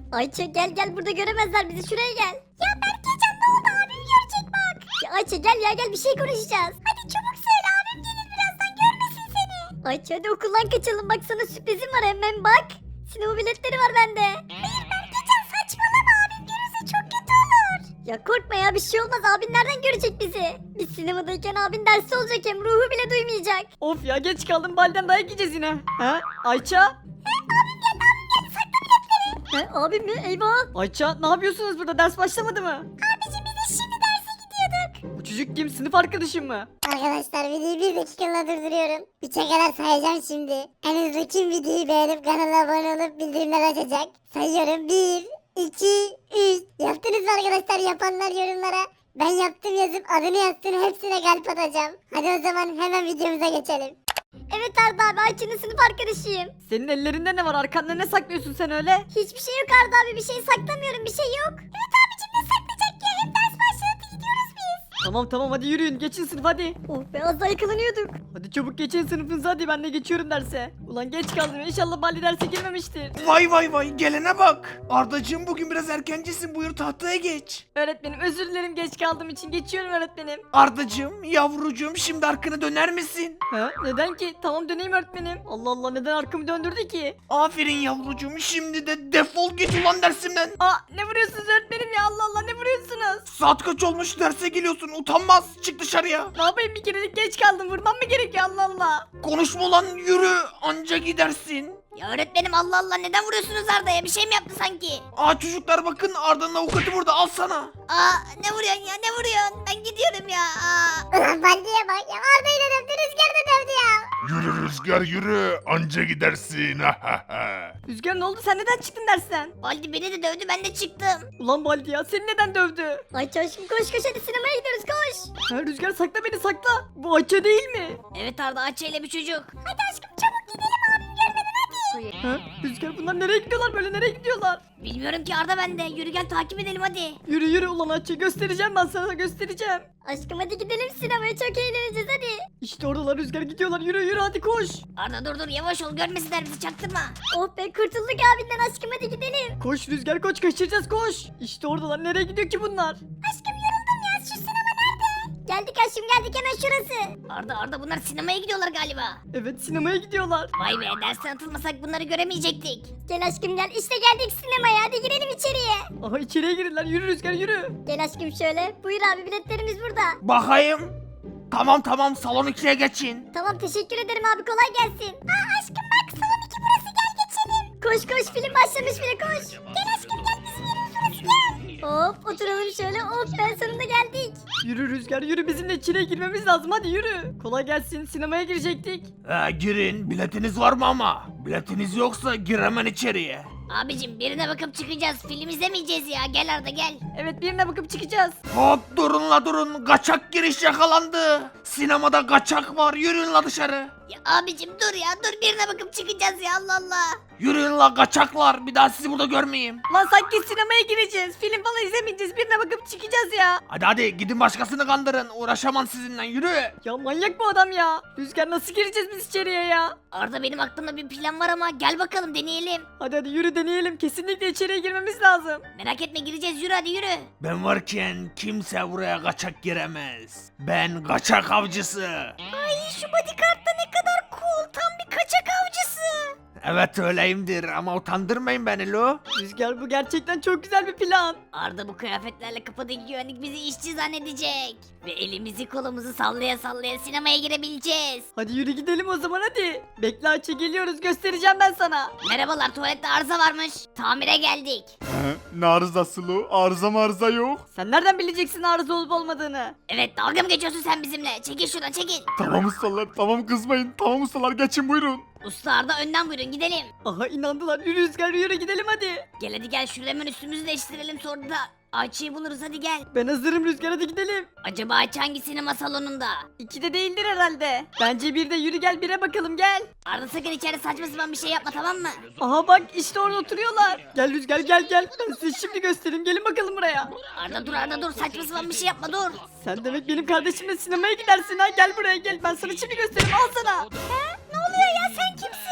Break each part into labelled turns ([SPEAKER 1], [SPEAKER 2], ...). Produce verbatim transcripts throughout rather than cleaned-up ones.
[SPEAKER 1] Ayça gel gel, burada göremezler bizi, şuraya gel. Ya Berkecan ne oldu, abim görecek bak. Ya Ayça gel ya gel, bir şey konuşacağız. Hadi çabuk söyle, abim gelir birazdan, görmesin seni. Ayça hadi okuldan kaçalım, bak sana sürprizim var, hemen bak. Sinema biletleri var bende. Hayır Berkecan saçmalama, abim görürse çok kötü olur. Ya korkma ya, bir şey olmaz, abin nereden görecek bizi? Biz sinemadayken abin dersi olacak, hem ruhu bile duymayacak.
[SPEAKER 2] Of ya, geç kaldım, Balden dayak yiyeceğiz yine. Ha? Ayça?
[SPEAKER 1] He, abim mi? Eyvah.
[SPEAKER 2] Ayça ne yapıyorsunuz burada, ders başlamadı mı?
[SPEAKER 1] Abicim biz de şimdi derse gidiyorduk.
[SPEAKER 2] Bu çocuk kim, sınıf arkadaşım mı?
[SPEAKER 3] Arkadaşlar videoyu bir dakikalığına durduruyorum. Üçe kadar sayacağım şimdi. En hızlı kim videoyu beğenip kanala abone olup bildirimler açacak? Sayıyorum. bir, iki, üç. Yaptınız mı arkadaşlar? Yapanlar yorumlara ben yaptım yazıp adını yazsın, hepsine kalp atacağım. Hadi o zaman hemen videomuza geçelim.
[SPEAKER 1] Evet Arda abi, Ayça'nın sınıf arkadaşıyım.
[SPEAKER 2] Senin ellerinde ne var, arkanda ne saklıyorsun sen öyle?
[SPEAKER 1] Hiçbir şey yok Arda abi, bir şey saklamıyorum, bir şey yok. Evet abicim, ne saklayacak ya, hem ders başladı, gidiyoruz biz.
[SPEAKER 2] Tamam tamam, hadi yürüyün, geçin sınıf hadi.
[SPEAKER 1] Oh be, az daha yakalanıyorduk.
[SPEAKER 2] Hadi çabuk geçin sınıfınıza, hadi ben de geçiyorum derse. Ulan geç kaldım, inşallah Baldi derse girmemiştir.
[SPEAKER 4] Vay vay vay, gelene bak. Ardacığım bugün biraz erkencisin, buyur tahtaya geç.
[SPEAKER 2] Öğretmenim özür dilerim, geç kaldığım için, geçiyorum öğretmenim.
[SPEAKER 4] Ardacığım, yavrucuğum, şimdi arkana döner misin?
[SPEAKER 2] Ha? Neden ki? Tamam döneyim öğretmenim. Allah Allah, neden arkamı döndürdü ki?
[SPEAKER 4] Aferin yavrucuğum, şimdi de defol git ulan dersimden.
[SPEAKER 2] Aa, ne vuruyorsunuz öğretmenim ya, Allah Allah, ne vuruyorsunuz?
[SPEAKER 4] Saat kaç olmuş, derse geliyorsun, utanmaz, çık dışarıya.
[SPEAKER 2] Ne yapayım, bir kerelik geç kaldım, vurmam mı gerekiyor, Allah Allah.
[SPEAKER 4] Konuşma ulan, yürü, anca gidersin.
[SPEAKER 1] Ya öğretmenim, Allah Allah, neden vuruyorsunuz Arda'ya, bir şey mi yaptı sanki?
[SPEAKER 4] Aa çocuklar bakın, Arda'nın avukatı burada, al sana.
[SPEAKER 1] Aa, ne vuruyorsun ya, ne vuruyorsun? Ben gidiyorum ya. Aa.
[SPEAKER 3] Ulan Baldi'ye bak ya, Arda ile dövdü, Rüzgar da dövdü ya.
[SPEAKER 5] Yürü Rüzgar yürü, anca gidersin.
[SPEAKER 2] Rüzgar ne oldu, sen neden çıktın dersten?
[SPEAKER 1] Baldi beni de dövdü, ben de çıktım.
[SPEAKER 2] Ulan Baldi ya, seni neden dövdü?
[SPEAKER 1] Ayça aşkım koş koş, hadi sinemaya gidiyoruz, koş.
[SPEAKER 2] Ha, Rüzgar sakla beni, sakla. Bu Ayça değil mi?
[SPEAKER 1] Evet Arda, Ayça ile bir çocuk. Hadi aşkım çabuk gidelim, abim görmeden hadi.
[SPEAKER 2] Ha? Rüzgar bunlar nereye gidiyorlar, böyle nereye gidiyorlar?
[SPEAKER 1] Bilmiyorum ki Arda, ben de. Yürü gel takip edelim hadi.
[SPEAKER 2] Yürü yürü ulan Ayça, göstereceğim ben sana, göstereceğim.
[SPEAKER 1] Aşkım hadi gidelim sinemaya, çok eğleneceğiz hadi.
[SPEAKER 2] İşte oradalar Rüzgar, gidiyorlar, yürü yürü hadi koş.
[SPEAKER 1] Arda dur dur, yavaş ol, görmesinler bizi, çaktırma. Oh be, kurtulduk abinden aşkım, hadi gidelim.
[SPEAKER 2] Koş Rüzgar koş, kaçıracağız koş. İşte oradalar, nereye gidiyor ki bunlar?
[SPEAKER 1] Aşkım yoruldum ya, şu sinema nerede? Geldik aşkım, geldik, hemen şurası. Arda Arda, bunlar sinemaya gidiyorlar galiba.
[SPEAKER 2] Evet, sinemaya gidiyorlar.
[SPEAKER 1] Vay be, dersten atılmasak bunları göremeyecektik. Gel aşkım gel, işte geldik sinemaya, hadi girelim içeriye.
[SPEAKER 2] Aha, içeriye girdiler, yürü Rüzgar yürü.
[SPEAKER 1] Gel aşkım şöyle, buyur abi, biletlerimiz burada.
[SPEAKER 4] Bakayım. Tamam tamam, salon ikiye geçin.
[SPEAKER 1] Tamam teşekkür ederim abi, kolay gelsin. Aa aşkım bak, salon iki burası, gel geçelim. Koş koş, film başlamış bile, koş. Gel aşkım gel, bizim yerimiz burası, gel. Hop oturalım şöyle, hop ben sonunda geldik.
[SPEAKER 2] Yürü Rüzgar yürü, bizim de içeriye girmemiz lazım, hadi yürü. Kolay gelsin, sinemaya girecektik.
[SPEAKER 4] Ee, girin, biletiniz var mı ama? Biletiniz yoksa gir hemen içeriye.
[SPEAKER 1] Abicim birine bakıp çıkacağız, film izlemeyeceğiz ya, gel Arda gel.
[SPEAKER 2] Evet, birine bakıp çıkacağız.
[SPEAKER 4] Hop durun la durun, kaçak giriş yakalandı. Sinemada kaçak var, yürüyün la dışarı.
[SPEAKER 1] Ya abicim dur ya, dur, birine bakıp çıkacağız ya, Allah Allah.
[SPEAKER 4] Yürüyün la kaçaklar, bir daha sizi burada görmeyeyim.
[SPEAKER 2] Lan sanki sinemaya gireceğiz, film falan izlemeyeceğiz, birine bakıp çıkacağız ya.
[SPEAKER 4] Hadi hadi gidin başkasını kandırın, uğraşamam sizinle, yürü.
[SPEAKER 2] Ya manyak bu adam ya. Rüzgar nasıl gireceğiz biz içeriye ya?
[SPEAKER 1] Arda benim aklımda bir plan var ama gel bakalım deneyelim.
[SPEAKER 2] Hadi hadi yürü, deneyelim, kesinlikle içeriye girmemiz lazım.
[SPEAKER 1] Merak etme, gireceğiz, yürü hadi yürü.
[SPEAKER 4] Ben varken kimse buraya kaçak giremez. Ben kaçak avcısı.
[SPEAKER 1] Ay şu bodyguard da ne kadar cool, tam bir kaçak avcısı.
[SPEAKER 4] Evet öyleyimdir ama utandırmayın beni lo.
[SPEAKER 2] Rüzgar bu gerçekten çok güzel bir plan.
[SPEAKER 1] Arda bu kıyafetlerle kapıdaki güvenlik bizi işçi zannedecek. Ve elimizi kolumuzu sallaya sallaya sinemaya girebileceğiz.
[SPEAKER 2] Hadi yürü gidelim o zaman hadi. Bekle Ayça, geliyoruz, göstereceğim ben sana.
[SPEAKER 1] Merhabalar, tuvalette arıza varmış. Tamire geldik.
[SPEAKER 5] Ne arızası lo? Arıza marıza yok.
[SPEAKER 2] Sen nereden bileceksin arıza olup olmadığını?
[SPEAKER 1] Evet, dalga mı geçiyorsun sen bizimle? Çekil şuradan, çekil.
[SPEAKER 5] Tamam ustalar, tamam kızmayın. Tamam ustalar, geçin buyurun.
[SPEAKER 1] Usta Arda önden buyurun, gidelim.
[SPEAKER 2] Aha, inandılar, yürü Rüzgar yürü, gidelim hadi.
[SPEAKER 1] Gel hadi gel, şurada hemen üstümüzü değiştirelim, sonra da Ayça'yı buluruz, hadi gel.
[SPEAKER 2] Ben hazırım Rüzgar, hadi gidelim.
[SPEAKER 1] Acaba Ayça hangi sinema salonunda?
[SPEAKER 2] İkide değildir herhalde. Bence bir de, yürü gel bire bakalım, gel.
[SPEAKER 1] Arda sakın içeri saçma sapan bir şey yapma, tamam mı?
[SPEAKER 2] Aha bak, işte orada oturuyorlar. Gel Rüzgar gel gel. Ben size şimdi göstereyim, gelin bakalım buraya.
[SPEAKER 1] Arda dur, Arda dur, saçma sapan bir şey yapma, dur.
[SPEAKER 2] Sen demek benim kardeşimle sinemaya gidersin ha, gel buraya gel. Ben sana şimdi göstereyim, al sana.
[SPEAKER 1] Ne oluyor ya, sen kimsin?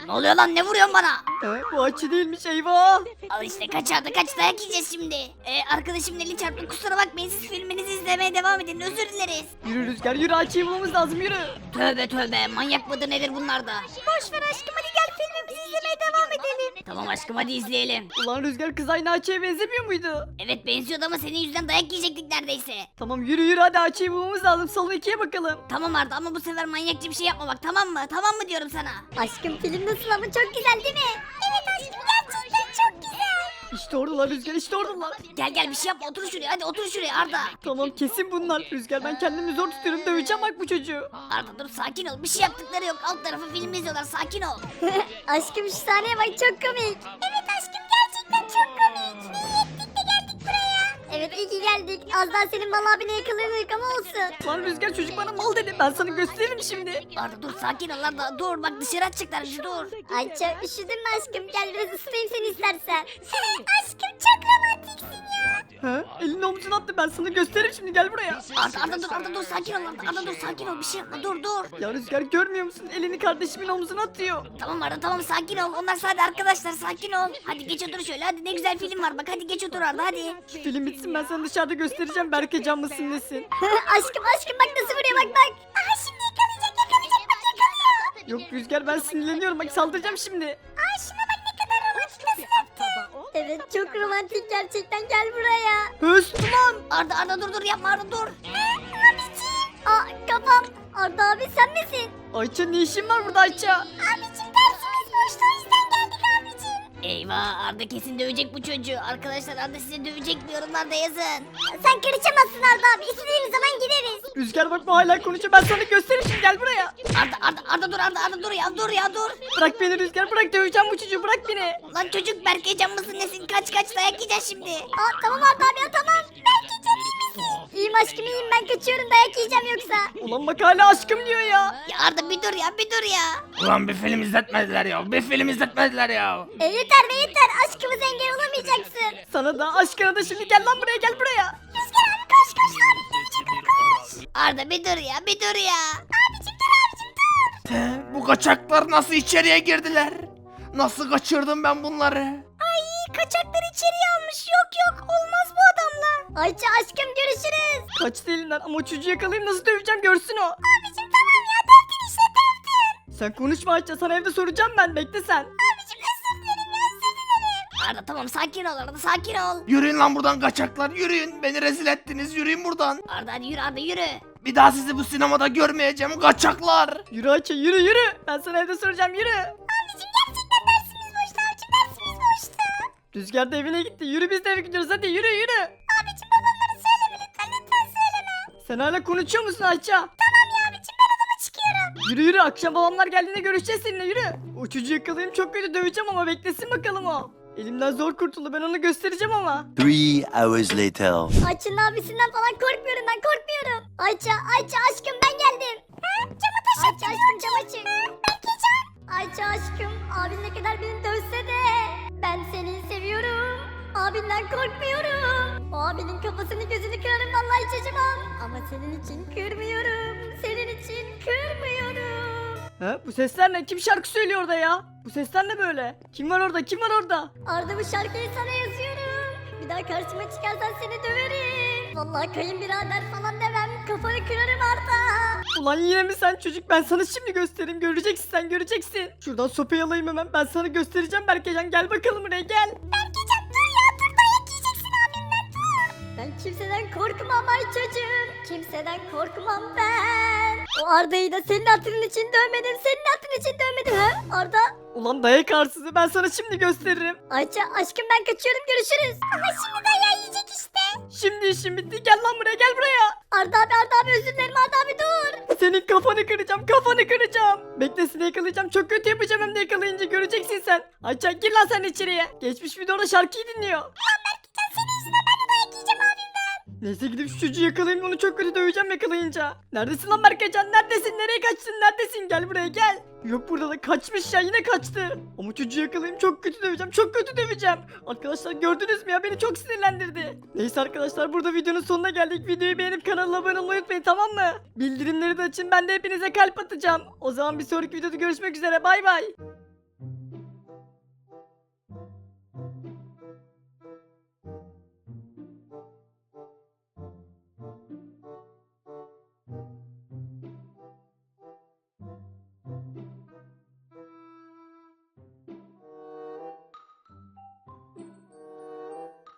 [SPEAKER 6] Ne oluyor lan, ne vuruyorsun bana?
[SPEAKER 2] Ee, bu Ayça değilmiş, eyvah.
[SPEAKER 6] Al işte, kaçardı kaç, dayak yiyeceğiz şimdi. Ee, arkadaşım eli çarptı, kusura bakmayın, siz filminizi izlemeye devam edin, özür dileriz.
[SPEAKER 2] Yürü Rüzgar yürü, Ayça'yı bulmamız lazım, yürü.
[SPEAKER 6] Tövbe tövbe, manyak mıdır nedir bunlar da?
[SPEAKER 1] Boş ver aşkım, hadi gel filmimizi izlemeye devam edelim.
[SPEAKER 6] Tamam aşkım, hadi izleyelim.
[SPEAKER 2] Ulan Rüzgar, kız aynı Ayça'ya benzemiyor muydu?
[SPEAKER 6] Evet benziyordu ama senin yüzünden dayak yiyecektik neredeyse.
[SPEAKER 2] Tamam yürü yürü, hadi Ayça'yı bulmamız lazım, salon ikiye bakalım.
[SPEAKER 6] Tamam Arda, ama bu sefer manyakça bir şey yapma bak, tamam mı? Tamam mı diyorum sana?
[SPEAKER 1] Aşkım film nasıl ama, çok güzel değil mi? Evet aşkım, gerçekten çok güzel.
[SPEAKER 2] İşte oradalar Rüzgar, işte oradalar.
[SPEAKER 6] Gel gel, bir şey yapma, otur şuraya, hadi otur şuraya Arda.
[SPEAKER 2] Tamam kesin bunlar. Rüzgar, ben kendimi zor tutuyorum, döveceğim bak bu çocuğu.
[SPEAKER 6] Arda dur, sakin ol, bir şey yaptıkları yok, alt tarafı film izliyorlar, sakin ol.
[SPEAKER 1] Aşkım şu sahneye bak, çok komik. Evet aşkım, gerçekten çok komik. İyi ettik de geldik buraya. Evet iyi ki geldik. Az daha senin mal abine yakalanırdık ama olsun.
[SPEAKER 2] Lan Rüzgar, çocuk bana mal dedi, ben sana gösteririm şimdi.
[SPEAKER 6] Arda dur, sakin ol Arda, dur bak dışarı atacaklar bizi, dur.
[SPEAKER 1] Ayça üşüdün mü aşkım? Gel biraz ısıtayım seni istersen. aşkım çok romantiksin ya.
[SPEAKER 2] Ha? Elini omzuna attı, ben sana gösteririm şimdi, gel buraya.
[SPEAKER 6] Arda, Arda dur, Arda dur, sakin ol Arda, Arda dur, sakin ol, bir şey yapma, dur dur.
[SPEAKER 2] Ya Rüzgar, görmüyor musun? Elini kardeşimin omzuna atıyor.
[SPEAKER 6] Tamam Arda, tamam, sakin ol, onlar sadece arkadaşlar, sakin ol. Hadi geç otur şöyle, hadi ne güzel film var bak, hadi geç otur Arda, hadi.
[SPEAKER 2] Şu film bitsin, ben sana dışarıda göstereceğim, Berke can mısın nesin.
[SPEAKER 1] aşkım aşkım bak nasıl vuruyor, bak bak. Aha şimdi yakalayacak yakalayacak, bak yakalıyor.
[SPEAKER 2] Yok Rüzgar, ben sinirleniyorum, bak saldıracağım şimdi.
[SPEAKER 1] Aa şuna bak ne kadar romantik, nasıl yaptı. Evet çok romantik gerçekten, gel buraya.
[SPEAKER 2] Höst ulan.
[SPEAKER 6] Arda, Arda dur dur, yapma Arda, dur.
[SPEAKER 1] Abicim. Aa kafam. Arda abi sen misin?
[SPEAKER 2] Ayça, ne işin var burada Ayça?
[SPEAKER 1] Abicim dersimiz boştu, o yüzden geldik abicim.
[SPEAKER 6] Eyvah, Arda kesin dövecek bu çocuğu. Arkadaşlar, Arda size dövecek mi, yorumlarda yazın.
[SPEAKER 1] Sen karışamazsın Arda abi, istediğimiz zaman gideriz.
[SPEAKER 2] Rüzgar bak, bu hala konuşuyor, ben sana gösteririm şimdi, gel buraya.
[SPEAKER 6] Arda, Arda, Arda dur, Arda, Arda dur ya, dur ya, dur.
[SPEAKER 2] Bırak beni Rüzgar, bırak, döveceğim bu çocuğu, bırak beni.
[SPEAKER 6] Lan çocuk, Berke can mısın nesin, kaç kaç, dayak yiyeceğiz şimdi.
[SPEAKER 1] Aa tamam Arda abi ya, tamam. Belki can iyi misin? İyiyim aşkım iyiyim, ben kaçıyorum, dayak yiyeceğim yoksa.
[SPEAKER 2] Ulan bak, hala aşkım diyor ya.
[SPEAKER 6] Ya Arda bir dur ya, bir dur ya.
[SPEAKER 4] Ulan bir film izletmediler ya. Bir film izletmediler ya.
[SPEAKER 1] E yeter be yeter, aşkımıza engel olamayacaksın.
[SPEAKER 2] Sana da aşkına da şimdi, gel lan buraya, gel buraya.
[SPEAKER 1] Rüzgar abi koş koş, abim dövecek, koş.
[SPEAKER 6] Arda bir dur ya, bir dur ya.
[SPEAKER 1] Abicim dur abicim dur.
[SPEAKER 4] He, bu kaçaklar nasıl içeriye girdiler? Nasıl kaçırdım ben bunları?
[SPEAKER 1] Ay kaçaklar içeriye almış, yok yok olmaz bu adamla. Ayça aşkım görüşürüz.
[SPEAKER 2] Kaçtı elinden, ama o çocuğu yakalayayım, nasıl döveceğim görsün o.
[SPEAKER 1] Abicim tamam ya, dövdün işte dövdün.
[SPEAKER 2] Sen konuşma Ayça, sana evde soracağım ben, bekle sen.
[SPEAKER 1] Abicim özür dilerim ya, özür dilerim.
[SPEAKER 6] Arda tamam, sakin ol Arda, sakin ol.
[SPEAKER 4] Yürüyün lan buradan kaçaklar, yürüyün. Beni rezil ettiniz, yürüyün buradan.
[SPEAKER 6] Arda hadi yürü, Arda yürü.
[SPEAKER 4] Bir daha sizi bu sinemada görmeyeceğim kaçaklar.
[SPEAKER 2] Yürü Ayça, yürü yürü. Ben sana evde soracağım, yürü.
[SPEAKER 1] Abicim gerçekten dersimiz boştu abicim, dersimiz boştu.
[SPEAKER 2] Rüzgar da evine gitti, yürü biz de eve gidiyoruz, hadi yürü yürü.
[SPEAKER 1] Abicim babamları söyleme lütfen, lütfen söyleme.
[SPEAKER 2] Sen hala konuşuyor musun Ayça?
[SPEAKER 1] Tamam ya abicim, ben odama çıkıyorum.
[SPEAKER 2] Yürü yürü, akşam babamlar geldiğinde görüşeceğiz seninle, yürü. O çocuğu yakalayayım, çok kötü döveceğim ama beklesin bakalım o. Elimden zor kurtuldu, ben onu göstereceğim ama.
[SPEAKER 7] Three hours later.
[SPEAKER 1] Ayça'nın abisinden falan korkmuyorum, ben korkmuyorum. Ayça, Ayça aşkım ben geldim. Ha? Camı taş Ayça aşkım cam açık. Belki cam. Ayça aşkım, abin ne kadar beni dövse de ben seni seviyorum. Abinden korkmuyorum. O abinin kafasını gözünü kırarım vallahi hiç acımam. Ama senin için kırmıyorum. Senin için kırmıyorum.
[SPEAKER 2] Ha, bu sesler ne? Kim şarkı söylüyor orada ya? Bu sesler ne böyle? Kim var orada? Kim var orada?
[SPEAKER 1] Arda bu şarkıyı sana yazıyorum. Bir daha karşıma çıkarsan seni döverim. Vallahi kayınbirader falan demem. Kafanı kırarım Arda.
[SPEAKER 2] Ulan yine mi sen çocuk? Ben sana şimdi göstereyim. Göreceksin sen, göreceksin. Şuradan sopayı alayım hemen. Ben sana göstereceğim Berkecan. Gel bakalım buraya, gel.
[SPEAKER 1] Berkecan dur ya, dur dayak yiyeceksin abimden, dur. Ben kimseden korkmam ay çocuğum. Kimseden korkmam ben. O Arda'yı da senin hatırın için dövmedim. Senin hatırın için dövmedim ha Arda.
[SPEAKER 2] Ulan dayak arsızı, ben sana şimdi gösteririm.
[SPEAKER 1] Ayça aşkım ben kaçıyorum, görüşürüz. Ama şimdi dayağı yiyecek işte.
[SPEAKER 2] Şimdi işim bitti. Gel lan buraya, gel buraya.
[SPEAKER 1] Arda abi Arda abi özür dilerim, Arda abi dur.
[SPEAKER 2] Senin kafanı kıracağım, kafanı kıracağım. Bekle, seni yakalayacağım. Çok kötü yapacağım hem de yakalayınca, göreceksin sen. Ayça gir lan sen içeriye. Geçmiş videoda şarkıyı dinliyor.
[SPEAKER 1] Lan Berkecan senin yüzünden ben de dayak yiyeceğim abimden.
[SPEAKER 2] Neyse, gidip şu çocuğu yakalayayım, onu çok kötü döveceğim yakalayınca. Neredesin lan Berkecan, neredesin, nereye kaçtın, neredesin, gel buraya gel. Yok burada da, kaçmış ya, yine kaçtı. Ama çocuğu yakalayayım, çok kötü döveceğim, çok kötü döveceğim. Arkadaşlar gördünüz mü ya, beni çok sinirlendirdi. Neyse arkadaşlar, burada videonun sonuna geldik. Videoyu beğenip kanala abone olmayı unutmayın, tamam mı? Bildirimleri de açın, ben de hepinize kalp atacağım. O zaman bir sonraki videoda görüşmek üzere, bay bay.